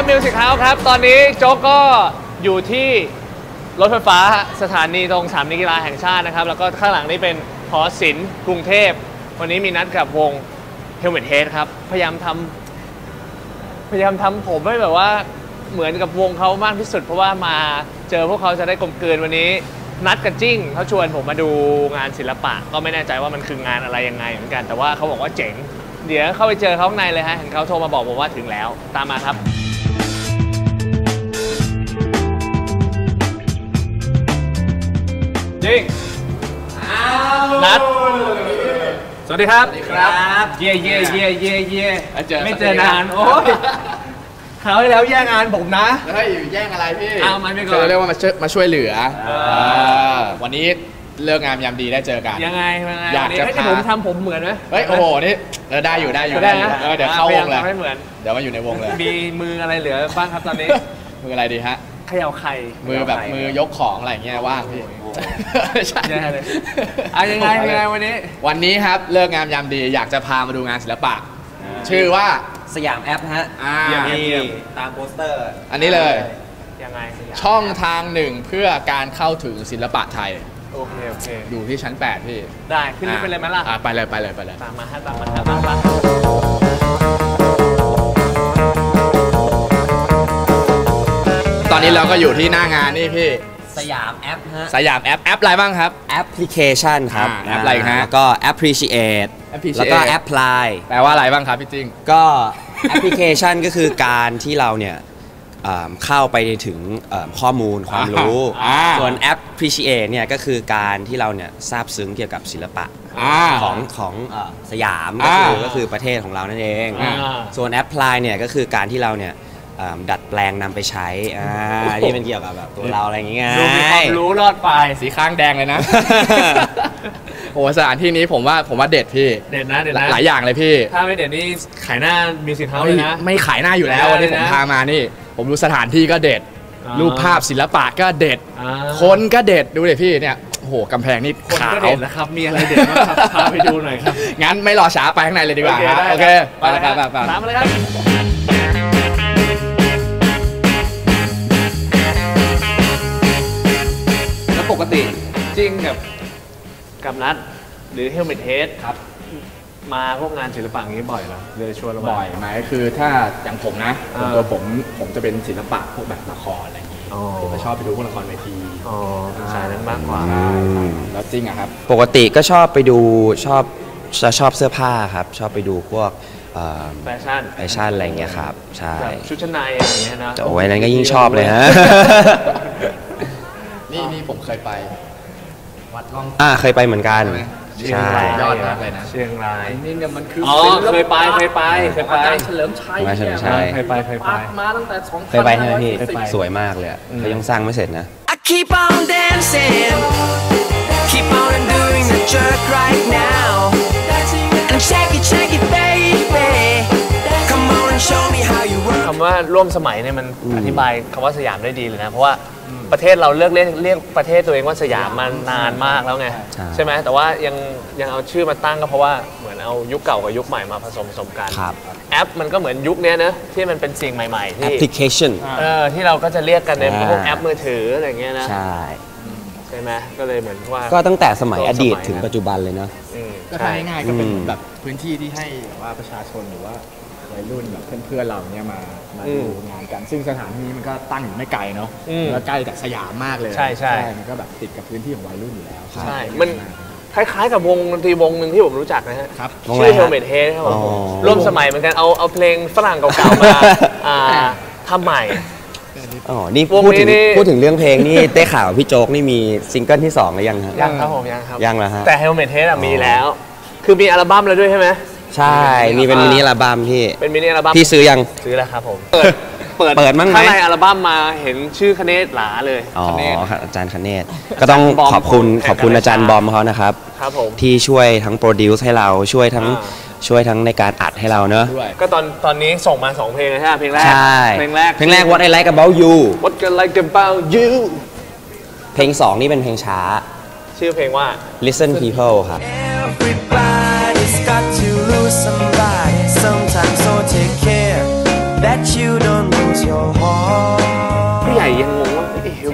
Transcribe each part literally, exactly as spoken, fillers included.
ครับมิวสิกเฮาส์ครับตอนนี้โจ๊กก็อยู่ที่รถไฟฟ้าสถานีตรงสนามกีฬาแห่งชาตินะครับแล้วก็ข้างหลังนี้เป็นหอศิลป์กรุงเทพวันนี้มีนัดกับวง Helmet Head ครับพยายามทำพยายามทำผมให้แบบว่าเหมือนกับวงเขามากที่สุดเพราะว่ามาเจอพวกเขาจะได้กลมกลืนวันนี้นัดกับจิ้งเขาชวนผมมาดูงานศิลปะก็ไม่แน่ใจว่ามันคืองานอะไรยังไงเหมือนกันแต่ว่าเขาบอกว่าเจ๋งเดี๋ยวเข้าไปเจอเขาข้างในเลยฮะเห็นเขาโทรมาบอกผมว่าถึงแล้วตามมาครับจิ้งนัดสวัสดีครับสวัสดีครับเย่เย่เย่เย่เย่ไม่เจอนานโอ้ยเขาให้แล้วแย่งงานผมนะเฮ้ยแย่งอะไรพี่เอามาไม่ก่อนเขาเรียกว่ามาช่วยมาช่วยเหลือวันนี้เลิกงามยามดีได้เจอกันยังไงอยากจะให้ผมทำผมเหมือนไหมเฮ้ยโอ้โหนี่ได้อยู่ได้อยู่ได้อยู่เดี๋ยวเข้าวงเลยเดี๋ยวมาอยู่ในวงเลยมีมืออะไรเหลือบ้างครับตอนนี้มืออะไรดีฮะเขย่าไข่มือแบบมือยกของอะไรเงี้ยว่างพี่ใช่เลยอ่ะยังไงยังไงวันนี้วันนี้ครับเลิกงามยามดีอยากจะพามาดูงานศิลปะชื่อว่าสยามแอปฮะนี่ตามโปสเตอร์อันนี้เลยยังไงช่องทางหนึ่งเพื่อการเข้าถึงศิลปะไทยโอเคโอเคอยู่ที่ชั้นแปดพี่ได้ขึ้นไปเลยไหมล่ะไปเลยไปเลยไปเลยตามมาฮะตามมาฮะตามมาตอนนี้เราก็อยู่ที่หน้างานนี่พี่สยามแอปฮะสยามแอปแอปอะไรบ้างครับแอปพลิเคชันครับแอปอะไรฮะก็ appreciate แล้วก็ apply แปลว่าอะไรบ้างครับพี่จิ้งก็แอปพลิเคชันก็คือการที่เราเนี่ยเข้าไปถึงข้อมูลความรู้ส่วน appreciate เนี่ยก็คือการที่เราเนี่ยซาบซึ้งเกี่ยวกับศิลปะของของสยามก็คือก็คือประเทศของเรานั่นเองส่วน apply เนี่ยก็คือการที่เราเนี่ยดัดแปลงนำไปใช้ที่เป็นเกี่ยวกับแบบตัวเราอะไรอย่างเงี้ยดูมีความรู้รอดไปสีข้างแดงเลยนะโอ้สถานที่นี้ผมว่าผมว่าเด็ดพี่เด็ดนะเด็ดนะหลายอย่างเลยพี่ถ้าไม่เด็ดนี่ขายหน้ามีสินค้าเลยนะไม่ขายหน้าอยู่แล้ววันนี้ผมพามานี่ผมดูสถานที่ก็เด็ดรูปภาพศิลปะก็เด็ดคนก็เด็ดดูเลยพี่เนี่ยโอ้โหกำแพงนี่ขาวนะครับมีอะไรเด็ดบ้างครับพาไปดูหน่อยครับงั้นไม่รอช้าไปข้างในเลยดีกว่าโอเคไปไปไปไปตามมาเลยครับปกติจริงกับกับนัดหรือ Helmet Head ครับมาพวกงานศิลปะอย่างนี้บ่อยเหรอเลยชวนเราบ่อยไหมคือถ้าอย่างผมนะตัวผมผมจะเป็นศิลปะพวกแบบละครอะไรอย่างนี้ผมจะชอบไปดูพวกละครเวทีอ๋อสายนั้นมากกว่าแล้วจริงอะครับปกติก็ชอบไปดูชอบจะชอบเสื้อผ้าครับชอบไปดูพวกแฟชั่นแฟชั่นอะไรอย่างเงี้ยครับใช่ชุดชั้นในอะไรอย่างเงี้ยนะโอ้ยนั้นก็ยิ่งชอบเลยฮะนี่นี่ผมเคยไปวัดร่องอ่าเคยไปเหมือนกันใช่ยอดมากเลยนะเชียงรายนี่เนี่ยมันคืออ๋อเคยไปเคยไปเคยไปเฉลิมชัยเฉลิมชัยเคยไปเคยไปมาตั้งแต่สองเคยไปใช่ไหมพี่สวยมากเลยเขายังสร้างไม่เสร็จนะ I keep on dancing keep on doing the jerk right now and shake it shake it baby come on and show me how you work คำว่าร่วมสมัยเนี่ยมันอธิบายคำว่าสยามได้ดีเลยนะเพราะว่าประเทศเราเลือกเรียกเรียกประเทศตัวเองว่าสยามมานานมากแล้วไงใช่ไหมแต่ว่ายังยังเอาชื่อมาตั้งก็เพราะว่าเหมือนเอายุคเก่ากับยุคใหม่มาผสมผสมกันแอปมันก็เหมือนยุคนี้นะที่มันเป็นสิ่งใหม่ๆที่แอปพลิเคชันเออที่เราก็จะเรียกกันในพวกแอปมือถืออะไรเงี้ยนะใช่ใช่ไหมก็เลยเหมือนว่าก็ตั้งแต่สมัยอดีตถึงปัจจุบันเลยนะก็ทำง่ายๆก็เป็นแบบพื้นที่ที่ให้ว่าประชาชนหรือว่าวัยรุ่นแบบเพื่อนๆเราเนี่ยมามาดูงานกันซึ่งสถานที่มันก็ตั้งอยู่ไม่ไกลเนาะแล้วใกล้จากสยามมากเลยใช่ใช่มันก็แบบติดกับพื้นที่ของวัยรุ่นอยู่แล้วใช่มันคล้ายๆกับวงดนตรีวงหนึ่งที่ผมรู้จักนะฮะชื่อ Helmet Head ครับผมร่วมสมัยเหมือนกันเอาเอาเพลงฝรั่งเก่าๆมาทำใหม่อ๋อนี่พูดถึงพูดถึงเรื่องเพลงนี่ได้ข่าวพี่โจ๊กนี่มีซิงเกิลที่สองหรือยังครับยังครับผมยังครับยังแล้วฮะแต่ Helmet Head มีแล้วคือมีอัลบั้มแล้วด้วยใช่ไหมใช่นี่เป็นมินิอัลบั้มที่เป็นมินิอัลบั้มพี่ซื้อยังซื้อแล้วครับผมเปิดเปิดเปิดมั้งไหมข้างในอัลบั้มมาเห็นชื่อคเนศหลาเลยอ๋ออาจารย์คเนศก็ต้องขอบคุณขอบคุณอาจารย์บอมเขานะครับครับผมที่ช่วยทั้งโปรดิวซ์ให้เราช่วยทั้งช่วยทั้งในการอัดให้เราเนอะก็ตอนตอนนี้ส่งมาสองเพลงใช่ไหมเพลงแรกเพลงแรกเพลงแรก What I Like About You What I Like About You เพลงสองนี่เป็นเพลงช้าชื่อเพลงว่า Listen People ครับ Got to lose somebody sometimes, so take care that you don't lose your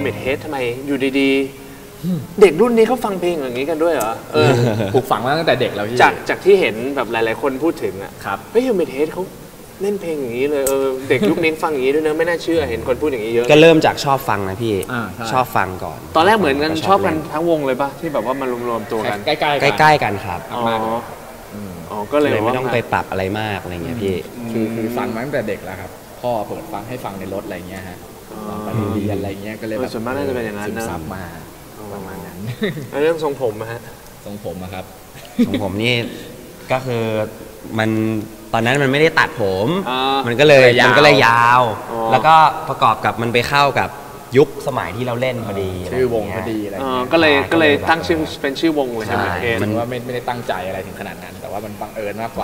Helmet Head ทำไมอยู่ดีๆ เด็กรุ่นนี้เขาฟังเพลงอย่างนี้กันด้วยเหรอเออปลูกฝังมาตั้งแต่เด็กแล้วพี่จากจากที่เห็นแบบหลายๆคนพูดถึงอ่ะครับเฮ้ย Helmet Head เขาเล่นเพลงอย่างนี้เลยเออเด็กยุคนี้ฟังอย่างนี้ด้วยเนอะไม่น่าเชื่อเห็นคนพูดอย่างนี้เยอะก็เริ่มจากชอบฟังนะพี่อ่าใช่ชอบฟังก่อนตอนแรกเหมือนกันชอบกันเล่ทั้งวงเลยป่ะที่แบบว่ามารวมๆตัวกันใกล้ๆกันใกล้ๆกันครับอ๋อมากอ๋อก็เลยเลยไม่ต้องว่าไปปรับอะไรมากอะไรเงี้ยพี่คือคือฟังมาตั้งแต่เด็กแล้วครับพ่อเปิดฟังให้ฟังในรถอะไรเงี้ยฮะตอนไปโรงเรียนอะไรเงี้ยก็เลยเอแบอบ ส่วนมากน่าจะเป็นอย่างนั้นซึมนะซับมาประมาณนั้นแล้วเรื่องทรงผมอะฮะทรงผมอะครับของผมนี่ก็คือมันตอนนั้นมันไม่ได้ตัดผมอ่ามัมันก็เลยเลยยาวมันก็เลยยาวอ๋อแล้วก็ประกอบกับมันไปเข้ากับยุคสมัยที่เราเล่นพอดีชื่อวงะไรพอเงี้ยดีอะไรเออเงี้ยก็เลยใช่ก็เลยก็เลยแบบตั้งชื่อเป็นชื่อวงเลยใช่ใช่ไหมเคนมันว่าไม่ไม่ได้ตั้งใจอะไรถึงขนาดนั้น แต่ว่ามันบังเอิญมากกว่า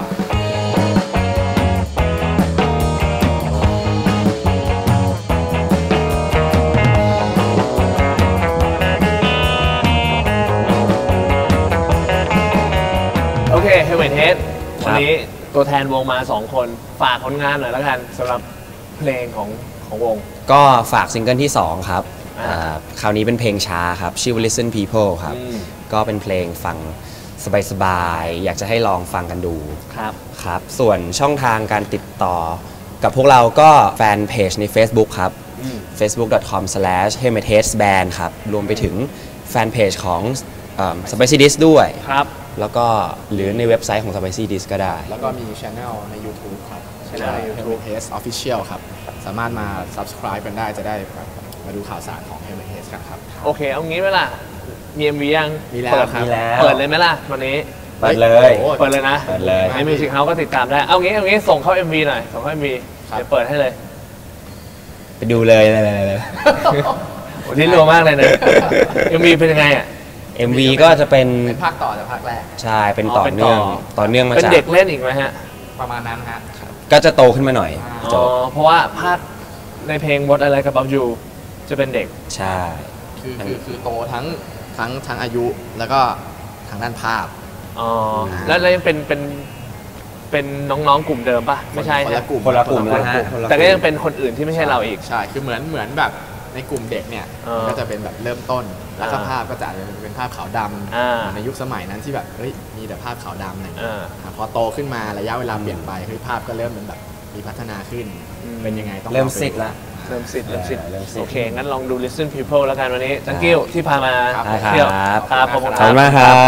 โอเค Helmet Head ครับวันนี้ตัวแทนวงมาสองคนฝากผลงานหน่อยแล้วกันสำหรับเพลงของของวงก็ฝากซิงเกิลที่สองครับอ่าอ่าคราวนี้เป็นเพลงช้าครับชื่อว่า Listen People ครับอืมก็เป็นเพลงฟังสบายๆอยากจะให้ลองฟังกันดูครับครับส่วนช่องทางการติดต่อกับพวกเราก็แฟนเพจใน Facebook ครับอืมเฟซบุ๊ก ดอท คอม สแลช เฮลเมทเฮดส์ แบนด์ ครับ รวมไปถึงแฟนเพจของเอ่อ Spicy Dish ด้วยครับแล้วก็หรือในเว็บไซต์ของ Spicy Dish ก็ได้แล้วก็มีช anel ใน YouTube ครับ channel ใน YouTube Helmet Heads Official ครับ สามารถมา subscribe กันได้จะได้แบบมาดูข่าวสารของ Helmet Heads กันครับโอเค เอางี้ไหมล่ะ มี เอ็ม วี ยังมีแล้วเปิดครับมีแล้วเปิดเลยไหมล่ะวันนี้เปิดเลยโอ้เปิดเลยนะเปิดเลยในมิวสิกเฮาส์ก็ติดตามได้ เอางี้ เอางี้ ส่งเข้า เอ็ม วี หน่อย ส่งเข้า เอ็ม วีครับเดี๋ยวเปิดให้เลยไปดูเลยเลยเลยเลยโอ้นี่รัวมากเลยนะ เอ็ม วี เป็นยังไงอ่ะเอ็ม วี ก็จะเป็นเป็นภาคต่อจากภาคแรกใช่เป็นอ๋อต่อเป็นต่เนื่อองต่อเนื่องมาเป็นจากเด็กเล่นอีกไหมฮะประมาณนั้นฮะก็จะโตขึ้นมาหน่อยอ่าจอ๋อบเพราะว่าภาคในเพลง What I Like About You จะเป็นเด็กใช่คือคือคือโตทั้งทั้งทั้งอายุแล้วก็ทางด้านภาพอ๋อ แล้วแล้วยังเป็นเป็นเป็นน้องๆกลุ่มเดิมปะไม่ใช่คนใช่ละกลุ่มคนละกลุ่มคแล้วละฮะกลุ่มคนละแต่ก็ยังเป็นคนอื่นที่ไม่ใช่เราอีกใช่คือเหมือนเหมือนแบบในกลุ่มเด็กเนี่ยเออก็จะเป็นแบบเริ่มต้น แล้วก็อ่าภาพก็จะเป็นภาพขาวดอ่าำในยุคสมัยนั้นที่แบบเฮ้ยมีแต่ภาพขาวดำอะไรอย่างเงี้ยอ่าอ่ะพอโตขึ้นมาระยะเวลาเปลี่ยนไปเฮ้ยภาพก็เริ่มเป็นแบบมีพัฒนาขึ้นอืมเป็นยังไงต้องเริ่มลองไปซิดละเริ่มสิทธิ์เริ่มสิทธิ์เริ่มสิทธิ์โอเค งั้นลองดู Listen People แล้วกันวันนี้ thank you ที่พามาครับได้เที่ยวครับครับขอบคุณขอบคุณมากครับ